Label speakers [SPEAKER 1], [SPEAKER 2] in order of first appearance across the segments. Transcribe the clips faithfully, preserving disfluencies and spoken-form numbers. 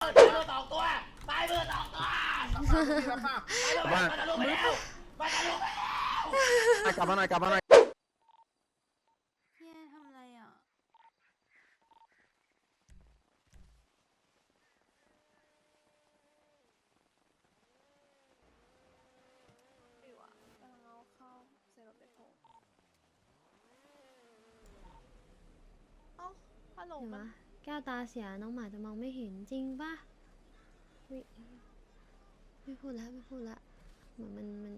[SPEAKER 1] มือสองตัวตายมือสองตัวบ้านมาทะลุไปแล้วมาทะลุไปแล้วกลับมาหน่อยกลับมาหน่อย
[SPEAKER 2] พี่ทำอะไรอ่ะไม่วะกำลังเอาเข้าเซโรเปโทเอ้าฮัลโหลมัน
[SPEAKER 3] แก้วตาเสียน้องหมาจะมองไม่เห็นจริงป่ะไม่พูดแล้วไม่พูดละเหมือนมันมัน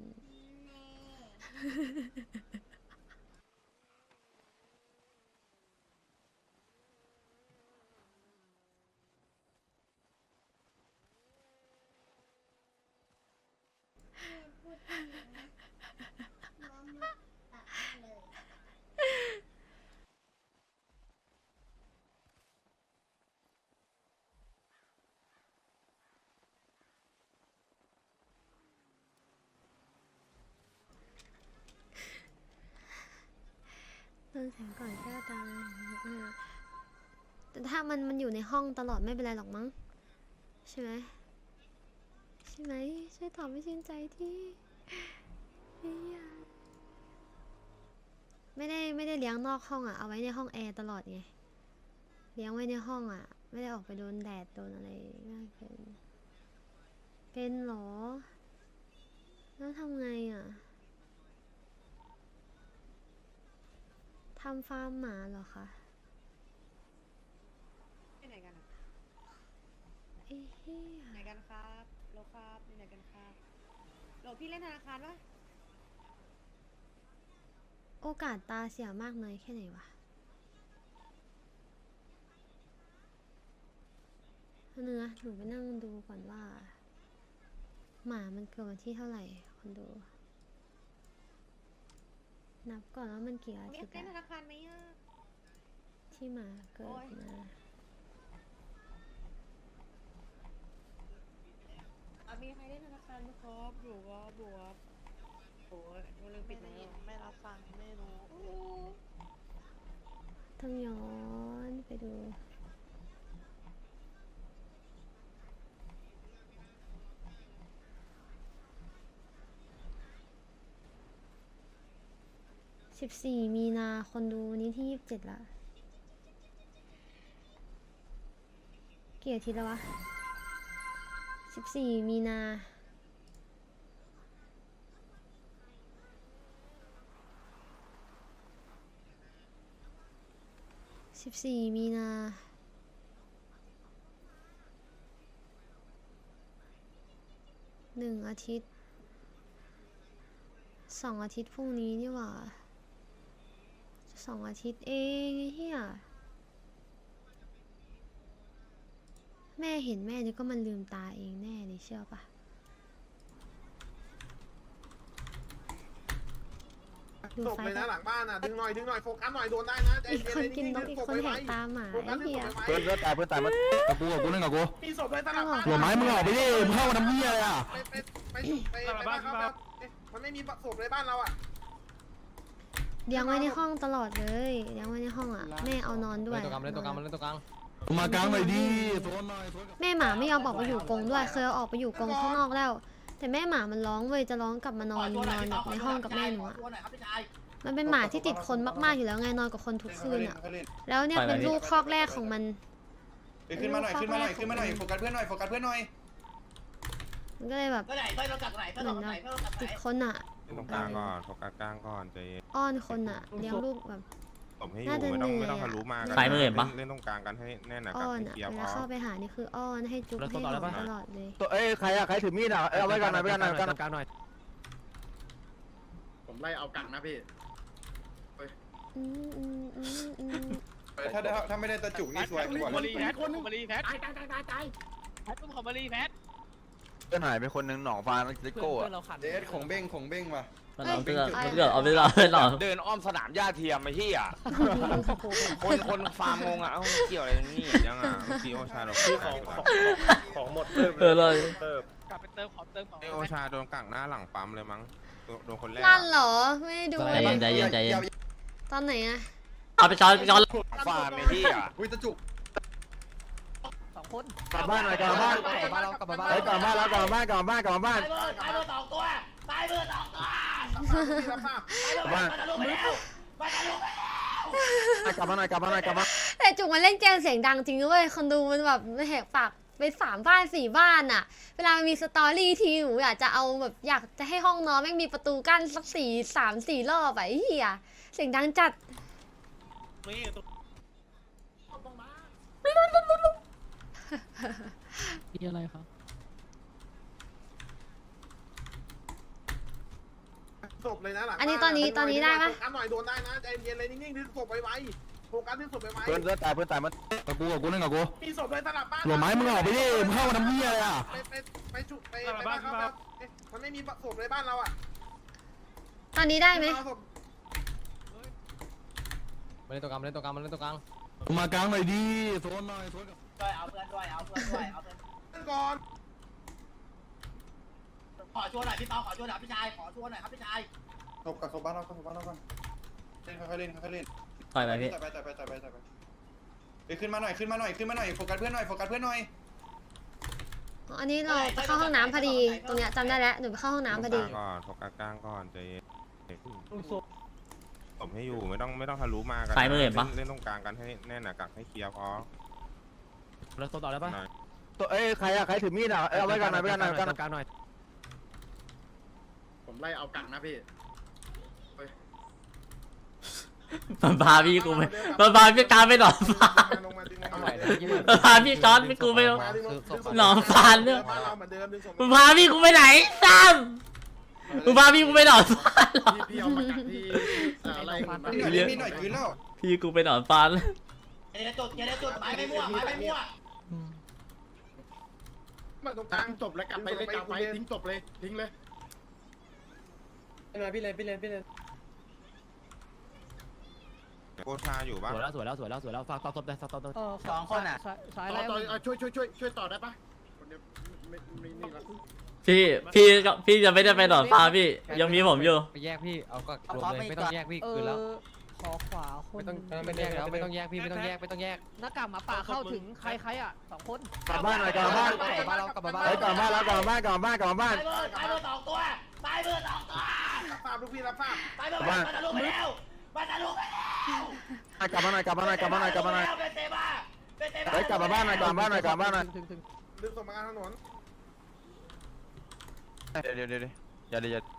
[SPEAKER 3] เดินแสงก่อนแก้วตาแต่ถ้ามันมันอยู่ในห้องตลอดไม่เป็นไรหรอกมั้งใช่ไหมใช่ไหมช่วยตอบไม่ชื่นใจที่ไม่ได้ไม่ได้เลี้ยงนอกห้องอ่ะเอาไว้ในห้องแอร์ตลอดไงเลี้ยงไว้ในห้องอ่ะไม่ได้ออกไปโดนแดดโดนอะไรมากเกินเป็นหรอแล้วทำไงอ่ะทำฟาร์มหมาเหรอคะ
[SPEAKER 4] ไปไหนกันอ่ะ
[SPEAKER 3] เอ้เหี้ย
[SPEAKER 4] ไหนกันครับโลครับไปไหนกันครับโลพี่เล่นธนาคารปะ
[SPEAKER 3] โอกาสตาเสียมากน้อยแค่ไหนวะเนื้อหนูไปนั่งดูก่อนว่า หมามันเกิดวันที่เท่าไหร่คนดู นับก่อนว่ามันกี่อา
[SPEAKER 4] เล่
[SPEAKER 3] ทิ
[SPEAKER 4] น
[SPEAKER 3] ตย์
[SPEAKER 4] เล่นธ
[SPEAKER 3] อะ
[SPEAKER 4] นาคารไหมอ่ะ
[SPEAKER 3] ที่หมาเกิดมา
[SPEAKER 4] มีใครเล่นธนาคารไหมครับอยู่ครับอยู่ครับโอ้ยมันลืมปิดแล้วไม่รับฟังไม่รู้
[SPEAKER 3] ต้องย้อนไปดูสิบสี่มีนาคนดูนี้ที่ยี่สิบเจ็ดละกี่อาทิตย์แล้ววะสิบสี่มีนาสิบสี่มีนาหนึ่งอาทิตย์สองอาทิตย์พรุ่งนี้นี่หว่าสองอาทิตย์เองไอ้เหี้ยแม่เห็นแม่นี่ก็มันลืมตาเองแน่เลยเชื่อปะดู
[SPEAKER 5] ศพ
[SPEAKER 3] ไฟ
[SPEAKER 5] เลย
[SPEAKER 3] ก็
[SPEAKER 5] นะหลังบ้านอ่ะดึงหน่อยดึงหน่อยโฟกัสหน่อยโดนได้นะ
[SPEAKER 3] อีกคนกินนกอีกคนแหกตาหมาไอ้เหี้ย
[SPEAKER 1] เพื่อนเพื่อนตายเพื่อนตายมากับกูกับกูนั่งกับกู
[SPEAKER 5] มีศพเลยตลาดบ้าน
[SPEAKER 1] หัวไม้มึงออกไปดิมึงเข้าน้ำเหี้ยเลยอ่ะ
[SPEAKER 5] ไปไปไปไปไปบ้านเขามันไม่มีศพเลยบ้านเราอ่ะ
[SPEAKER 3] เลี้ยงไว้ในห้องตลอดเลยเลี้ยงไว้ในห้องอ่ะแม่เอานอนด้วย
[SPEAKER 6] เล่นตัวกลางเล่นตัวกลางเล่นตัวกลาง
[SPEAKER 1] มากลางหน่อยดิโซนหน่อย
[SPEAKER 3] แม่หมาไม่ยอมออกไปอยู่กรงด้วยเคยเอาออกไปอยู่กรงข้างนอกแล้ว แต่แม่หมามันร้องเว้ยจะร้องกลับมานอนนอนแบบในห้องกับแม่หนูอ่ะมันเป็นหมาที่ติดคนมากๆอยู่แล้วไงนอนกับคนทุกคืนอ่ะแล้วเนี่ยเป็นลูกคอกแรกของมัน
[SPEAKER 7] ขึ้นมาหน่อยขึ้นมาหน่อยขึ้นมาหน่อยโฟกัสเพื่อนหน่อยโฟกัสเพื่อนหน่อย
[SPEAKER 3] มันก็เลยแบบ
[SPEAKER 1] ไปไหนไปเรากลับไหนไป
[SPEAKER 3] เหมื
[SPEAKER 1] เรา
[SPEAKER 3] อน
[SPEAKER 1] กลับไหน
[SPEAKER 3] แบบ
[SPEAKER 1] ไปเรากลับไหน
[SPEAKER 3] ติดคนอ่ะ
[SPEAKER 8] ตรงกลางก่อนโฟกัสกลางก่อนใจเย็น
[SPEAKER 3] อ้อนคนอ่ะเลี้ยงลูกแบบ
[SPEAKER 8] ผมให้อยู่ไม่ต้องไม่ต้องทะลุมากัน
[SPEAKER 3] สายมือ
[SPEAKER 8] เล่นเล่นตรงกลางกันให้แน่นหนักกับ
[SPEAKER 3] อ้อน
[SPEAKER 8] ให้
[SPEAKER 3] อ่ะ
[SPEAKER 8] เคลียร์
[SPEAKER 3] เว
[SPEAKER 8] พ
[SPEAKER 3] ลา
[SPEAKER 8] อ
[SPEAKER 3] เข้าไปหานี่คืออ้อนให้จุ๊บให้หอมตลอดเลย
[SPEAKER 1] ตัวเอ้ยใครอะใครถือมีดอะเอาไว้กันหน่อยไว้กันหน่อยกัน
[SPEAKER 6] กลางหน่อย
[SPEAKER 5] ผมไล่เอากังนะพี่
[SPEAKER 3] อืมอืมอืมอืม
[SPEAKER 7] ถ้าถ้าไม่ได้ตะจุกนี่สวยกว่า
[SPEAKER 5] มารีแพทคนมารี
[SPEAKER 1] แพท
[SPEAKER 5] ตายตายตายตายตายแพทของมารีแพท
[SPEAKER 1] เพื่อนหายไปคนหนึ่งหนองฟ้าเลโก้อะ
[SPEAKER 7] เดสของเบ้งของเบ้งว่ะ
[SPEAKER 6] มันเอาเสื้อมันเกิดเอาไปเราเลยหรอ
[SPEAKER 9] เดินอ้อมสนามหญ้าเทียมไอ้ที่อ่ะ คนคนฟาร์มงงอ่ะเอ้าเกี่ยวอะไรนี่
[SPEAKER 8] ยังอ่ะเมื่อกี้โอชาโดน
[SPEAKER 5] ของของของหมดเติม
[SPEAKER 6] เออเลย
[SPEAKER 5] เติม
[SPEAKER 1] กลับไปเติมขอเติมของ
[SPEAKER 8] ไอโอชาโดนกักหน้าหลังปั๊มเลยมั้งโดนคนแรก
[SPEAKER 3] ลั่นเหรอไม่ได้ดู
[SPEAKER 6] ใจเย็นใจเย็นใจเย็น
[SPEAKER 3] ตอนไหนอะ
[SPEAKER 6] เอาไปช้อนไปช้อน
[SPEAKER 9] ฟาร์มไอ้ที่อ่ะ
[SPEAKER 7] อุ้ยตะจุก
[SPEAKER 1] สอง
[SPEAKER 4] คน
[SPEAKER 1] กลับบ้านหน่อยกลับบ้าน
[SPEAKER 5] กลับบ้านเรากลับบ้าน
[SPEAKER 1] เฮ้ยกลับบ้านแล้วกลับบ้านกลับบ้านกลับบ้าน
[SPEAKER 9] ตายเบิร์ดตายเบิร์ดสองตัวตายเบิร์ดสองตัว
[SPEAKER 5] รับทราบ
[SPEAKER 9] ตายเบิร์ดมันทะลุไปแล้วมันทะลุไปแล้ว
[SPEAKER 1] กลับมาหน่อยกลับมาหน่อยกลับมา
[SPEAKER 3] แต่จุกมันเล่นเกมเสียงดังจริงด้วยคนดูมันแบบแหกปากไปสามบ้านสี่บ้านอะเวลามันมีสตอรี่ทีหนูอยากจะเอาแบบอยากจะให้ห้องนอนแม่งมีประตูกั้นสักสี่สามสี่รอบอะไอ้เหี้ยเสียงดังจัด
[SPEAKER 6] พี่อะไรครับ
[SPEAKER 5] ศพเลยนะหลัง
[SPEAKER 3] อันนี้ตอนนี้ตอนนี้ได้ปะ
[SPEAKER 5] โฟกัสหน่อยโดนได้นะใจเย็นเลยนิ่งๆดึงศพไว้ๆโฟกัสดึงศพไว้
[SPEAKER 1] เพื่อนเพื่อนตายเพื่อนตายมันกับกูกับกูนั่งกับกู
[SPEAKER 5] ๆมีศพเลยสลับบ้าน
[SPEAKER 1] หลบไม้มึงออกไปดิมึงเข้ามาทำเหี้ยเลยอ่ะ
[SPEAKER 5] ไปไปไปจุไปไปบ้านเขาครับมันไม่มีศพในบ้านเราอ่ะ
[SPEAKER 3] ตอนนี้ได้ไหม
[SPEAKER 5] เอาศพ
[SPEAKER 6] มาเล่นตัวกลางมาเล่นตัวกลางมาเล่นตัวกลาง
[SPEAKER 1] มากลางหน่อยดิโซนหน่อยโซนกับ
[SPEAKER 9] ด้วยเอาเพื่อนด้วยเอาเพื่อนด้วยเอาเพื่อน
[SPEAKER 5] ขึ้นก่อน
[SPEAKER 9] ขอช่วยหน่อยพี่เปาขอช่วยหน่อยพี่ชายขอช่วยหน่อยครับพี่ชาย
[SPEAKER 7] ศพกับศพบ้านเราศพบ้านเราก่อนเล่นค่อยๆเล่นค่อยๆเล่น
[SPEAKER 6] ต่อยไปพี่
[SPEAKER 7] ต่อยไปต่อยไปต่อยไปต่อยไปไปขึ้นมาหน่อยขึ้นมาหน่อยขึ้นมาหน่อยโฟกัสเพื่อนหน่อยโฟกัสเพื่อนหน่อย
[SPEAKER 3] อันนี้เราไปเข้าห้องน้ำพอดีตรงเนี้ยจำได้แล้วหนูไปเข้าห้องน้ำพอดี
[SPEAKER 8] ก่อนโฟกัสกลางก่อนใจเย็นผมให้อยู่ไม่ต้องไม่ต้องทะลุมากัน
[SPEAKER 6] ใครไม่เห็นปะ
[SPEAKER 8] เล่นตรงกลางกันให้แน่นหนากักให้เคลียร์พอ
[SPEAKER 6] แล้วตัวต่อได้ปะ
[SPEAKER 1] ตัวเอ้ยใครอะใครถือมีดอ่ะเอาไว้กันหน่อยไว้กันหน่อยไว้กันหน่อย
[SPEAKER 6] กลางหน่อย
[SPEAKER 5] ผมไล่เอากังนะพี่
[SPEAKER 6] มันพาพี่กูไปมันพาพี่กลางไปหนอนฟาน
[SPEAKER 5] ลงมาดึงลง
[SPEAKER 6] เอา
[SPEAKER 5] มา
[SPEAKER 6] ใหม่มันพาพี่จอร์ดพี่กูไปหนอนฟานเนี่ย
[SPEAKER 5] บ้านเราเหมือนเดิมดึงศพ
[SPEAKER 6] มันพาพี่กูไปไหนซ้ำมันพาพี่กูไปหนอนฟานเหรอ
[SPEAKER 5] พี่เอามากักที่อะไร
[SPEAKER 7] เล่นมีหน่อยคืนแล้ว
[SPEAKER 6] พี่กูไปหนอนฟาน
[SPEAKER 9] เดี๋ยวจุดเดี๋ยวจุดไม้ไม่มั่วไม้ไม่มั่ว
[SPEAKER 5] มาตรงกลางจบแล้วกลับไปเลยกลับไปทิ้งจบเลยทิ้งเลย
[SPEAKER 4] พี่เลยพี่เลยพี่เลย
[SPEAKER 8] โกชาอยู่ปะ
[SPEAKER 6] สวยแล้วสวยแล้วสวยแล้วสวยแล้วฝากต่อตบได้ต่อตบ
[SPEAKER 4] สองคนอ่ะสาย
[SPEAKER 5] ต่
[SPEAKER 4] ไล่
[SPEAKER 5] อต่อช่วยช่วยช่วยช่วยต่อได้ปะคนเดียวไม่ไม่นี่ละ
[SPEAKER 6] พี่พี่ก็พี่จะไม่ได้ไปหนอนฟานพี่ยังมีผมอยู่
[SPEAKER 10] ไปแยกพี่ เอาก็รวมเลยไม่ต้องแยกพี่
[SPEAKER 4] เอ
[SPEAKER 10] คืนแล้ว
[SPEAKER 4] อขอขวาคน
[SPEAKER 10] ไม่ต้องไม่ต้องแยกแล้วไม่ต้องแยกพี่ไม่ต้องแยกไม่ต้องแยก
[SPEAKER 4] หน้ากากหมาป่าเข้าถึงใครใครอ่ะสองคน
[SPEAKER 1] กลับบ้านหน่อยกลับบ้าน
[SPEAKER 10] กลับบ้านเรากลับบ้าน
[SPEAKER 1] เฮ้ยกลับบ้านแล้วกลับบ้านกลับบ้านกลับบ้าน
[SPEAKER 9] ตายเบิร์ดตายเบิร์ดสองตัวตายเบิร์ดสองตัว
[SPEAKER 5] รับทราบลูกพี่รับทราบ
[SPEAKER 9] ตายเบิร์ดมันทะลุไปแล้วมันทะลุไปแล้ว
[SPEAKER 1] กลับมาหน่อยกลับมาหน่อยกลับมาหน่อยกลับมาหน่อย
[SPEAKER 9] เป็นเตบ้าเป็นเตบ้า
[SPEAKER 1] เฮ้ยกลับมาบ้านหน่อยกลับมาบ้านหน่อยกลับมาบ้านหน่อย
[SPEAKER 4] ถึงถึง
[SPEAKER 5] ดึงส่งมากลางถนน
[SPEAKER 1] เดี๋ยวเดี๋ยวเดี๋ยวอย่าเดี๋ยว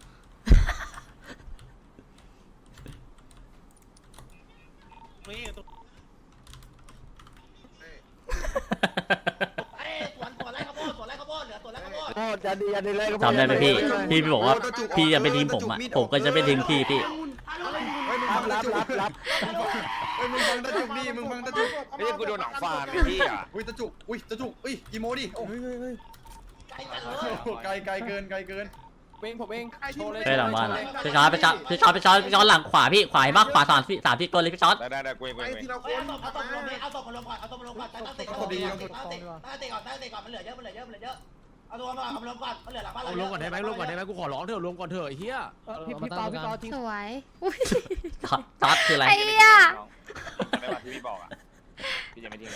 [SPEAKER 9] ไอ้สวนสวนไรข้าวโพดสวนไรข้าวโพดเหลือสวนไรข้าวโพด
[SPEAKER 1] โอ้อย่าดีอย่าดีเลย
[SPEAKER 6] จำได้ไหมพี่พี่บอกว่าพี่จะไปทิ้งผมอ่ะผมก็จะไปทิ้งพี่พี่
[SPEAKER 7] เฮ้ยมึง
[SPEAKER 1] รั
[SPEAKER 7] ฟั
[SPEAKER 1] บ
[SPEAKER 7] ง
[SPEAKER 1] รั
[SPEAKER 7] ตะ
[SPEAKER 1] บ
[SPEAKER 7] จุก
[SPEAKER 1] รับรับ
[SPEAKER 7] เฮ้ยมึงฟังตะจุกดิมึงฟังตะจุก
[SPEAKER 9] ไอ้กูโดนหนองฟานไอ้พี่อ่ะ
[SPEAKER 7] อุ้ยตะจุกอุ้ยตะจุกอุ้ยอีโมดิโอ้
[SPEAKER 9] ไอ้กันเลย
[SPEAKER 7] โหไกลไกลเกินไกลเกิน
[SPEAKER 10] เองผมเองโชว์เลย
[SPEAKER 6] ไปหลังบ้านพี่จอร์ดพี่จอร์ดพี่จอร์ดพี่จอร์ดพี่จอร์ดหลังขวาพี่ขวาเห็นปะขวาสามพี่สามพี่ตัวเลยพี่จอร์ด
[SPEAKER 9] ได้ได้ได้กูเองกูเองทีละคนเอาศพเอาศพลงเลยเอาศพมาลงก่อนเอาศพมาลงก่อนตั้งติก่อนตั้งติตั้งติก่อนตั้งติก่อนมันเหลือเยอะมันเหลือเยอะมันเหลือเยอะเอาตัวมาเอามาลงก่อนมันเหลือหลังบ้านเรา
[SPEAKER 10] ลงก่อนได้ไหมลงก่อนได้ไหมกูขอร้องเถอะลงก่อนเถอะไอ้เหี้ย
[SPEAKER 4] พี่พี่เปาพี่เปาทิ้ง
[SPEAKER 3] สวยอุ้ย
[SPEAKER 6] จอร์ดจอร์ดคืออะไร
[SPEAKER 3] ไอ้เหี้ย
[SPEAKER 9] ไม่ว่าที่พี่บอกอ่ะพี่จะไม่ทิ้ง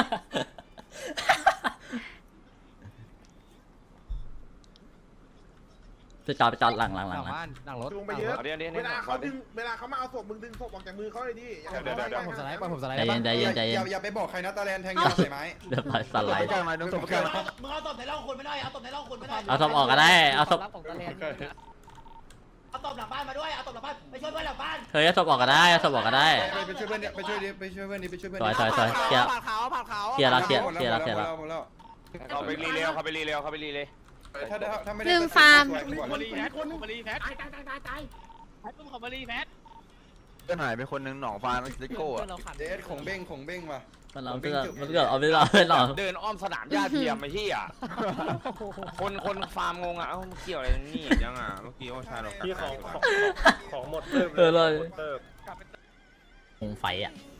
[SPEAKER 6] พี่จอร์ดพี่จอร์ดหลังหลังห
[SPEAKER 10] ห
[SPEAKER 6] ลั
[SPEAKER 10] ลั
[SPEAKER 6] ง
[SPEAKER 10] งบ้านหลังรถ
[SPEAKER 5] จูงไปเยอะ
[SPEAKER 9] เอาเดี๋ยวเดี๋ยว
[SPEAKER 5] เวลาเขาดึงเวลาเขามาเอาศพมึงดึงศพออกจากมือเขาเลยดิอย่า
[SPEAKER 9] เดี๋ยวเดี๋ยวเดี๋ยว
[SPEAKER 10] ผมสไลด์ไปผมสไลด์
[SPEAKER 6] ใจ
[SPEAKER 10] ได้
[SPEAKER 6] เย็
[SPEAKER 10] ปะ
[SPEAKER 6] นใจเย็นใจเย็น
[SPEAKER 7] อย่าอย่าไปบอกใครนะตาแลนแทงยาใส่ไม้
[SPEAKER 6] เดี๋ยวไปสไล
[SPEAKER 1] ไป
[SPEAKER 6] ด์
[SPEAKER 1] กลางหน่อยต้องตบไปกลาง
[SPEAKER 9] มึงเอาศพในร่องคุณไม่ได้เอาศพในร่องคุณไม่ได้
[SPEAKER 6] เอาศพออกก็ได้เอาศพ
[SPEAKER 4] รับของตะเลน
[SPEAKER 9] เอาศพหลังบ้านมาด้วยเอาศพหลังบ้านไปช่วยเพื่อนหลังบ้าน
[SPEAKER 6] เฮ้ยเอาศพออกก็ได้เอาศพออกก็ได้
[SPEAKER 7] ไปไปช่วยเพื่อนเนี่ยไปช่วยดิไปช่วยเพื่อนดิไปช่วยเพื่อน
[SPEAKER 6] ซอยซอยซอยเคลียร์
[SPEAKER 10] ผ่านขาวผ่านขาว
[SPEAKER 6] เคลียร์แล้วเคลียร์เคลียร์แล้วเคลียร์แล้ว
[SPEAKER 7] หมดแล้ว
[SPEAKER 9] เขาไปรีเร็วเขาไปรีเร็วเขาไปรีเลย
[SPEAKER 7] ถ้าถ้าไม่ได้
[SPEAKER 3] ลืมฟาร์ม
[SPEAKER 10] มารีแพทคนมารีแพท
[SPEAKER 5] ตายตายตายตายตาย
[SPEAKER 10] ตุ้มของมารีแพท
[SPEAKER 1] ก็หายไปคนนึงหนองฟานซิโก้อะ
[SPEAKER 7] เดสของเบ้งของเบ้งว่ะ
[SPEAKER 6] มันเราเกิดมันเกิดเอาไปเราไปหนอน
[SPEAKER 9] เดินอ้อมสนามหญ้าเทียมไอ้ที่อ่ะคนคนฟาร์มงงอ่ะเอ้ามันเกี่ยวอะไรนี่
[SPEAKER 8] ยังอ่ะเมื่อกี้โอชาเรา
[SPEAKER 5] พี่ของของของหมด
[SPEAKER 6] เออเลยคงไฟอ่ะ